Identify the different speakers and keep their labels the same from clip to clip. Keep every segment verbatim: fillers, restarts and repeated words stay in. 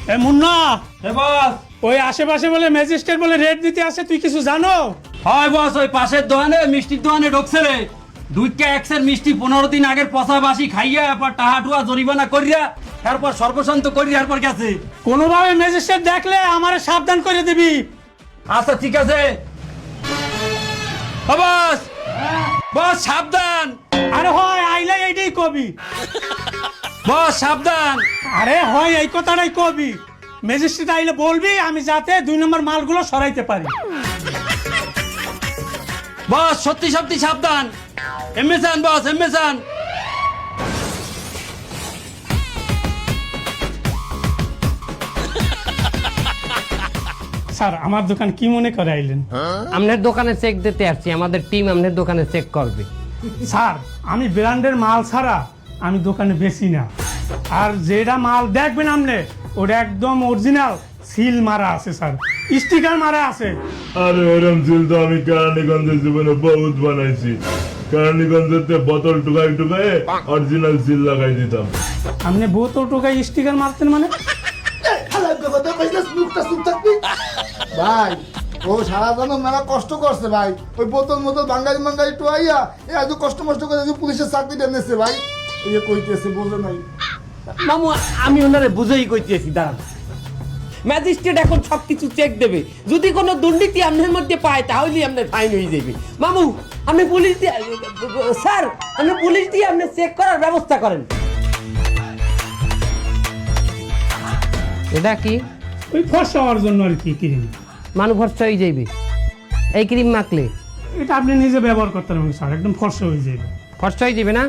Speaker 1: এ মুন্না,
Speaker 2: এ বস,
Speaker 1: ওই আশেপাশে বলে ম্যাজিস্ট্রেট বলে রেট দিতে আসে, তুই কিছু জানো?
Speaker 2: হয় বস, ওই পাশের দোকানে মিষ্টির দোকানে ঢুকছে রে। দুইটা একশের মিষ্টি পনেরো দিন আগের পচা বাসি খাইয়া এরপর টাহা টুয়া জরিমানা করিয়া তারপর সর্বশান্ত করিয়া এরপর গেছে।
Speaker 1: কোনোভাবে ম্যাজিস্ট্রেট দেখলে আমারে সাবধান করে দিবি।
Speaker 2: আচ্ছা ঠিক আছে। ও বস, বস সাবধান।
Speaker 1: আরে হয় আইলে এইটাই কবি।
Speaker 2: বস সাবধান।
Speaker 1: আরে হয় এই কথাটাই কবি। ম্যাজিস্ট্রেট আইলে বলবি আমি যাতে দুই নম্বর মালগুলো সরাইতে পারি।
Speaker 2: বস সত্যি সত্যি সাবধান। এমএসান বস, এমএসান।
Speaker 1: স্যার আমার দোকান কি মনে করে আইলেন?
Speaker 3: আপনার দোকানে চেক দিতে আসছি, আমাদের টিম আপনার দোকানে চেক করবে।
Speaker 1: স্যার আমি ব্র্যান্ডের মাল ছাড়া আমি দোকানে বেশি না। আর যেটা মাল দেখবেন আপনি ওটা একদম অরিজিনাল সিল মারা আছে স্যার, স্টিকার মারা আছে।
Speaker 4: আরে ওরম সিল তো আমি কেরানীগঞ্জের জীবনে বহুত বানাইছি। কেরানীগঞ্জেতে বোতল টুকাই টুকাই অরিজিনাল সিল লাগাই দিতাম।
Speaker 1: আপনি বোতল টোকায় স্টিকার মারতেন মানে?
Speaker 5: ভাই ও সারা জন্য মেলা কষ্ট করছে ভাই, ওই বোতল মোতল বাঙালি বাঙালি টুয়াইয়া এ এত কষ্ট মষ্ট করে পুলিশের চাকরিটা এনেছে ভাই। এই কইতেছে বোঝে নাই
Speaker 3: মামু, আমি ওনারে বুঝেই কইতেছি, দাঁড়ান। ম্যাজিস্ট্রেট এখন সবকিছু চেক দেবে, যদি কোনো দুর্নীতি আপনার মধ্যে পায় তাহলেই আপনার ফাইন হয়ে যাবে। মামু আপনি পুলিশ দিয়ে, স্যার আপনি পুলিশ দিয়ে আপনি চেক করার ব্যবস্থা করেন। এটা কি?
Speaker 1: ওই ফর্সা হওয়ার জন্য আর কি ক্রিম।
Speaker 3: মানুষ ফর্সা হয়ে যাইবে এই ক্রিম মাখলে?
Speaker 1: এটা আপনি নিজে ব্যবহার করতে পারবেন স্যার, একদম ফর্সা হয়ে যাবে।
Speaker 3: ফর্সা হয়ে যাবে না?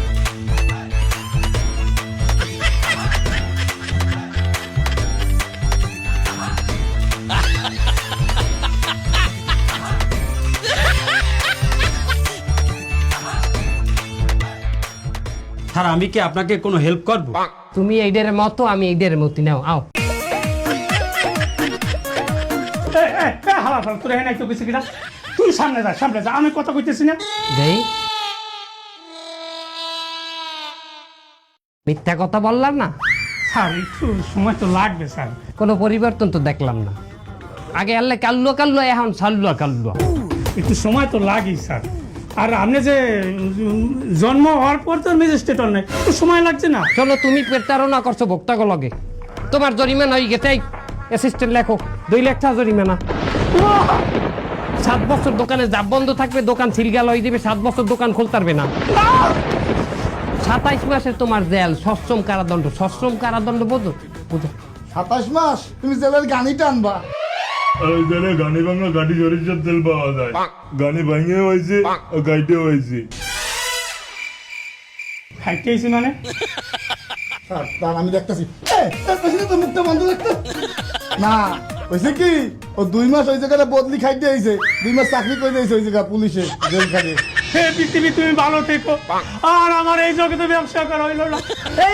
Speaker 2: স্যার আমি কি আপনাকে কোনো হেল্প করব?
Speaker 3: তুমি এইডের মতো, আমি এইডের মতো। নাও আও।
Speaker 1: এ, এ, এ, হালা ফালা, তোর এখানে একটু বেশি কিনা। তুই সামনে যা, সামনে যা, আমি কথা কইতেছি না।
Speaker 3: দেই মিথ্যা কথা বললাম না
Speaker 1: স্যার একটু সময় তো লাগবে স্যার।
Speaker 3: কোনো পরিবর্তন তো দেখলাম না। আগে আল্লাহ কাল্লুয়া কাল্লুয়া, এখন সাল্লুয়া কাল্লুয়া।
Speaker 1: একটু সময় তো লাগেই স্যার। আর আপনি যে উম, জন্ম হওয়ার পর তো ম্যাজিস্ট্রেট নাই, একটু সময় লাগছে না?
Speaker 3: চলো, তুমি প্রতারণা করছো ভোক্তাকে লগে, তোমার জরিমানা হয়ে গেছে। অ্যাসিস্ট্যান্ট লেখো দুই লাখ টাকা জরিমানা। সাত বছর দোকানে জাপ বন্ধ থাকবে, দোকান সিলগাল হয়ে যাবে, সাত বছর দোকান খুলতে পারবে না। সাতাইশ মাসে তোমার জেল, সশ্রম কারাদণ্ড। সশ্রম কারাদণ্ড বোঝো? বুঝো?
Speaker 5: সাতাশ মাস তুমি জেলের গানি টানবা।
Speaker 4: আর ওই জায়গায় গানি ভাঙা গাড়ি সরিষার তেল পাওয়া যায়। গানি ভাঙে হয়েছে গাইতে হয়েছে।
Speaker 1: খাইতেছি মানে
Speaker 5: স্যার দাঁড়ান, আমি দেখতেছি। তো মুখটা বন্ধ রাখতে না, হয়েছে কি ও দুই মাস ওই জায়গাটা বদলি খাইতে আইছে, দুই মাস চাকরি করে দিয়েছে ওই জায়গা পুলিশে জেল খাটে।
Speaker 1: হে পৃথিবী তুমি ভালো থেকো, আর আমার এই জগতে ব্যবসা করা হইল না।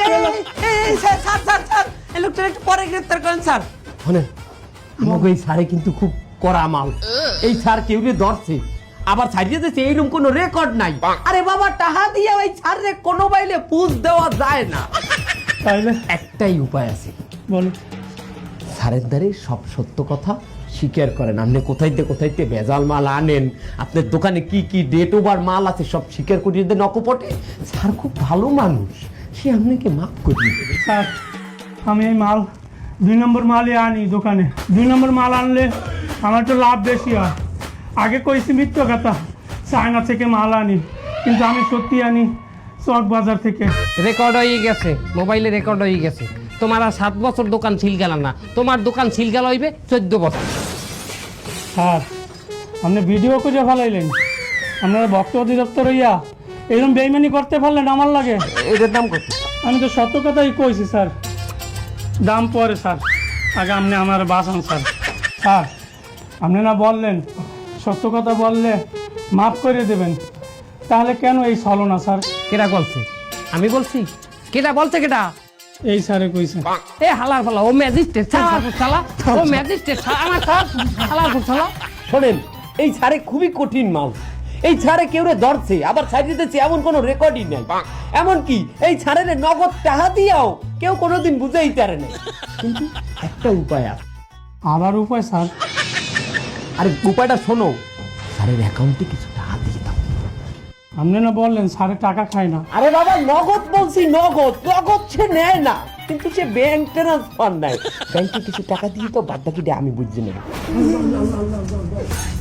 Speaker 3: পরে গ্রেফতার করেন স্যার। শোনেন, আমাকে এই স্যারে কিন্তু খুব কড়া মাল। এই স্যার কেউ ধরছে আবার ছাড়িয়ে দিচ্ছে, এইরকম কোনো রেকর্ড নাই। আরে বাবা, টাহা দিয়ে ওই স্যারে কোনো বাইলে পুষ দেওয়া যায় না।
Speaker 1: তাইলে
Speaker 3: একটাই উপায় আছে,
Speaker 1: বলো।
Speaker 3: স্যারের দ্বারে সব সত্য কথা স্বীকার করেন। আপনি কোথাইতে কোথাইতে ভেজাল মাল আনেন, আপনার দোকানে কি কি ডেট ওভার মাল আছে সব স্বীকার করিয়ে দেন অকপটে। স্যার খুব ভালো মানুষ, সে আপনাকে মাফ করিয়ে দেবে।
Speaker 1: স্যার আমি এই মাল দুই নম্বর মালই আনি দোকানে। দুই নম্বর মাল আনলে আমার তো লাভ বেশি হয়। আগে কইছি মিথ্য কথা, চায়না থেকে মাল আনি, কিন্তু আমি সত্যি আনি চক বাজার থেকে।
Speaker 3: রেকর্ড হয়ে গেছে, মোবাইলে রেকর্ড হয়ে গেছে। তোমার আর সাত বছর দোকান ছিল গেল না, তোমার দোকান ছিল গেল হইবে চোদ্দ বছর।
Speaker 1: স্যার আপনি ভিডিও করে ফেলাইলেন, আপনারা ভক্ত অধিদপ্তর হইয়া এরকম বেইমানি করতে পারলেন আমার লাগে।
Speaker 3: এটার দাম কত?
Speaker 1: আমি তো সত্য কথাই কইছি স্যার, দাম পরে স্যার, আগে আপনি আমার বাঁচান স্যার। স্যার আপনি না বললেন সত্য কথা বললে মাফ করে দেবেন, তাহলে কেন এই ছলনা স্যার?
Speaker 3: কেটা বলছে? আমি বলছি? কেটা বলছে? কেটা?
Speaker 1: এই স্যারে কইছে।
Speaker 3: এ হালার ফালা, ও ম্যাজিস্ট্রেট শালা, ও ম্যাজিস্ট্রেট আমার স্যার হালার ফালা। শোনেন, এই স্যারে খুবই কঠিন মাল। এই ছাড়ে কেউ রে ধরছে আবার ছাড়িয়ে দিচ্ছে এমন কোনো রেকর্ডই নাই। এমন কি এই ছাড়ে নগদ টাকা দিয়াও কেউ কোনোদিন বুঝেই পারে না। কিন্তু একটা উপায় আছে।
Speaker 1: আবার উপায় স্যার?
Speaker 3: আরে উপায়টা শোনো, স্যারের অ্যাকাউন্টে কিছু টাকা দিয়ে দাও।
Speaker 1: আপনি না বললেন স্যারে টাকা খায় না?
Speaker 3: আরে বাবা নগদ বলছি, নগদ নগদ সে নেয় না, কিন্তু সে ব্যাংক ট্রান্সফার নেয়। ব্যাংকে কিছু টাকা দিয়ে তো বাদ বাকিটা আমি বুঝছি নেব।